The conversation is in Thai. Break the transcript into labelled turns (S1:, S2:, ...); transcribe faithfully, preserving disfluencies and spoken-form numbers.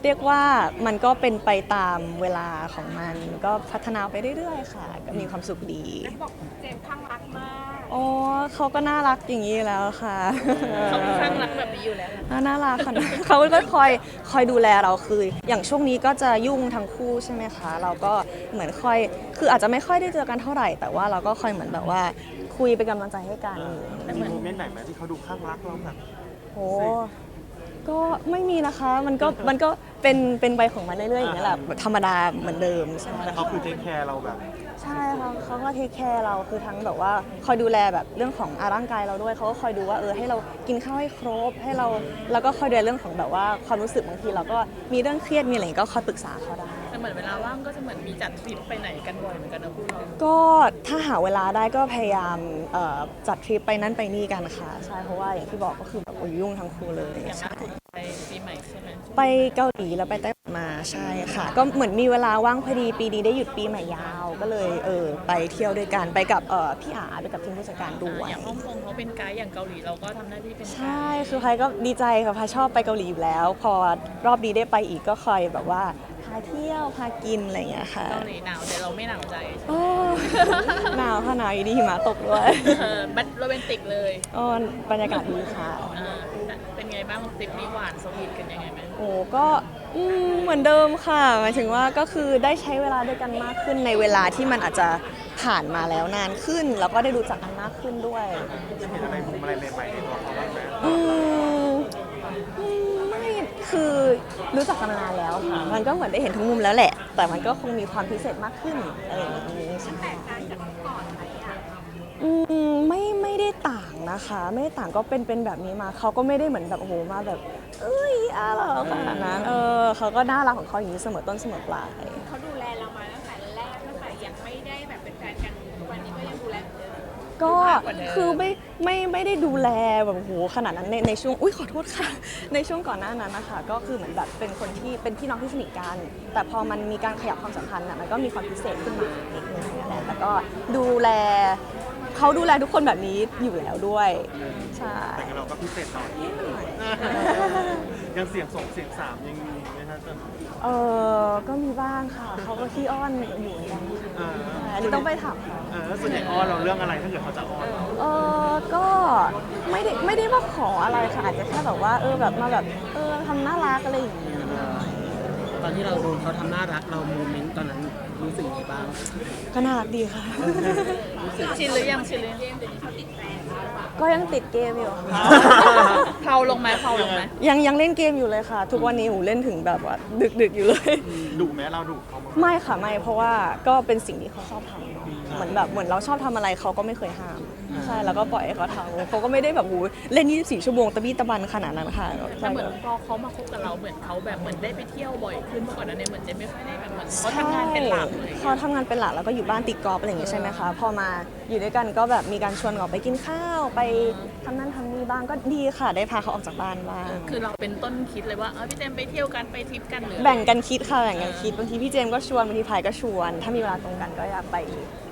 S1: รียกว่ามันก็เป็นไปตามเวลาของมันก็พัฒนาไปเรื่อยๆค่ะก็มีความสุขดี
S2: บอกเจมส์ข้างรักมาก
S1: โอ้เขาก็น่ารักอย่างนี้แล้วค่ะ
S2: เขาข้างรักแบบนี้อยู่แล้ว
S1: น่ารักค่ะเขาก็คอยคอยดูแลเราคืออย่างช่วงนี้ก็จะยุ่งทั้งคู่ใช่ไหมคะเราก็เหมือนคอยคืออาจจะไม่ค่อยได้เจอกันเท่าไหร่แต่ว่าเราก็คอยเหมือนแบบว่าคุยเป็นกำลังใจให้กัน
S3: มีโมเมนต์ไหนไหมที่เขาดูข้างรักเราแบบ
S1: โอ้ก็ไม่มีนะคะมันก็มันก็เป็นเป็นไปของมันเรื่อยๆอย่างนี้แหละธรรมดาเหมือนเดิมใช่ไหม
S3: แต่เขาคือเทคแคร์เราแบบ
S1: ใช่ค่ะเขาก็เทคแคร์เราคือทั้งแบบว่าคอยดูแลแบบเรื่องของร่างกายเราด้วยเขาก็คอยดูว่าเออให้เรากินข้าวให้ครบให้เราแล้วก็คอยดูแลเรื่องของแบบว่าความรู้สึกบางทีเราก็มีเรื่องเครียดมีอะไรก็คอยปรึกษาเขาได้
S2: แต่เหมือนเวลาว่างก็จะเหมือนมีจัดทริปไปไหนกันบ่อยเหมือนกันนะพูดเรา
S1: ก็ถ้าหาเวลาได้ก็พยายามจัดทริปไปนั่นไปนี่กันค่ะใช่เพราะว่าอย่างที่บอกก็คือแบบยุ่งทั้งคู่เลย
S2: อย่างล่าสุดไปปีใหม่ใช่ไหม
S1: ไปเกาหลีแล้วไปไต้หวันมาใช่ค่ะก็เหมือนมีเวลาว่างพอดีปีนี้ได้หยุดปีใหม่ยาวก็เลยเออไปเที่ยวด้วยกันไปกับเออพี่อาไปกับทีมผู้จัดการด้วย
S2: อย่างฮ่องกงเขาเป็นไกด์อย่างเกาหลีเราก็ทำหน้าที่เป็นไกด์
S1: ใช่คือพายก็ดีใจค่ะพายชอบไปเกาหลีอยู่แล้วพอรอบนี้ได้ไปอีกก็คอยแบบว่าพาเที่ยวพากินอะไรอย่างเงี้ยค่ะ
S2: เกาหลีหนาวแต่เราไม่หนาวใจ
S1: หนาวค่ะหนาวอยู่ดีหิมะตกด้วย
S2: บัดโรแมนติกเลย
S1: อ๋อบรรยากาศดีค่ะ
S2: เป็นไงบ้างทริปนี้หวานสวีทกันยังไงไหม
S1: โอ้ก็เหมือนเดิมค่ะหมายถึงว่าก็คือได้ใช้เวลาด้วยกันมากขึ้นในเวลาที่มันอาจจะผ่านมาแล้วนานขึ้นแล้วก็ได้รู้จักกันมากขึ้นด้วย
S3: จะเห็นอะไรมุมอะไรใหม่ๆในตัวเขาบ้างไหม
S1: อืมไม่คือรู้จักกันมานานแล้วค่ะมันก็เหมือนได้เห็นทุกมุมแล้วแหละแต่มันก็คงมีความพิเศษมากขึ้นอะไรอย่างนี้ใช่แตกต่างจากก่อนไหมอ่ะอืมไม่ไม่ได้ต่างนะคะไม่ได้ต่างก็เป็นเป็นแบบนี้มาเขาก็ไม่ได้เหมือนแบบโอ้โหมาแบบเอ้ยอะไรขนาดนั้นเออเขาก็น่ารักของเขาอย่างนี้เสมอต้นเสมอปลาย
S2: เขาดูแลเรามาตั้งแต่แรกตั้งแต่ยังไม่ได้แบบเป็นแฟนกันทุกวันนี้ก็ยังดูแลเหมือนเดิม
S1: ก็คือไม่ไม่ไม่ได้ดูแลแบบโหขนาดนั้นในในช่วงอุ้ยขอโทษค่ะในช่วงก่อนหน้านั้นนะคะก็คือเหมือนแบบเป็นคนที่เป็นพี่น้องที่สนิทกันแต่พอมันมีการขยับความสัมพันธ์น่ะมันก็มีความพิเศษขึ้นมาอีกนึงนั่นแหละแต่ก็ดูแลเขาดูแลทุกคนแบบนี้อยู่แล้วด้วยใช่
S3: แต่เราก็พิเศษหน่อยยังเสียงสองเสียงสามยังมีไหมคะจน
S1: เออก็มีบ้างค่ะเขาก็ขี้อ้อนอยู่เหมือนกันอันนี้ต้องไปถามเขา
S3: เออส่วนใหญ่อ้อนเราเรื่องอะไรถ้าเกิดเขาจะอ้อนเรา
S1: เออก็ไม่ได้ไม่ได้ว่าขออะไรค่ะอาจจะแค่แบบว่าเออแบบมาแบบเออทำน่ารักอะไรอย่างเงี้ย
S4: ตอนที่เราโดนเขาทำน่ารักเราโมเมนต์ตอนนั้นรู้สึกยังไงบ้าง
S1: ก็น่ารักดีค่ะ
S2: ชินหรือยังชินหรือยัง
S1: ก็ยังติดเกมอยู่ค่ะ
S2: เผาลงไหมเผาลงไหม
S1: ยังยังเล่นเกมอยู่เลยค่ะทุกวันนี้หูเล่นถึงแบบว่าดึกดึกอยู่เลย
S3: ดุไหมเราดุเขา
S1: ไม่ค่ะไม่เพราะว่าก็เป็นสิ่งที่เขาชอบทำเนาะเหมือนแบบเหมือนเราชอบทำอะไรเขาก็ไม่เคยห้ามใช่แล้วก็ปล่อยให้เขาทำเขาก็ไม่ได้แบบหูเล่นยี่สิบสี่ชั่วโมงตะบี้ตะบันขนาดนั้นค่ะ
S2: แต่เหมือนพอเขามาคบกับเราเหมือนเขาแบบเหมือนได้ไปเที่ยวบ่อยขึ้นเมื่อก่อนนั้นเนี่ยเหมือนจะไม่ค่อยได้แบบเหมือนเขาทำงานเป็นหลักเลย
S1: เขาทำงานเป็นหลักแล้วก็อยู่บ้านติดกอล์ฟอะไรอย่างงี้ใช่ไหมคะพอมาอยู่ด้วยกันก็แบบมีการชวนออกไปกินข้าวไปทำนั่นทำนี่บ้างก็ดีค่ะได้พาเขาออกจากบ้านบ้าง
S2: คือเราเป็นต้นคิดเลยว่าเออพี่เจมไปเที่ยวกันไปทริปกันหรือ
S1: แบ่งกันคิดค่ะแบ่งกันคิดบางทีพี่เจมก็ชวนบางทีพายก็ชวนถ้ามีเวลาตรงกันก็อยากไป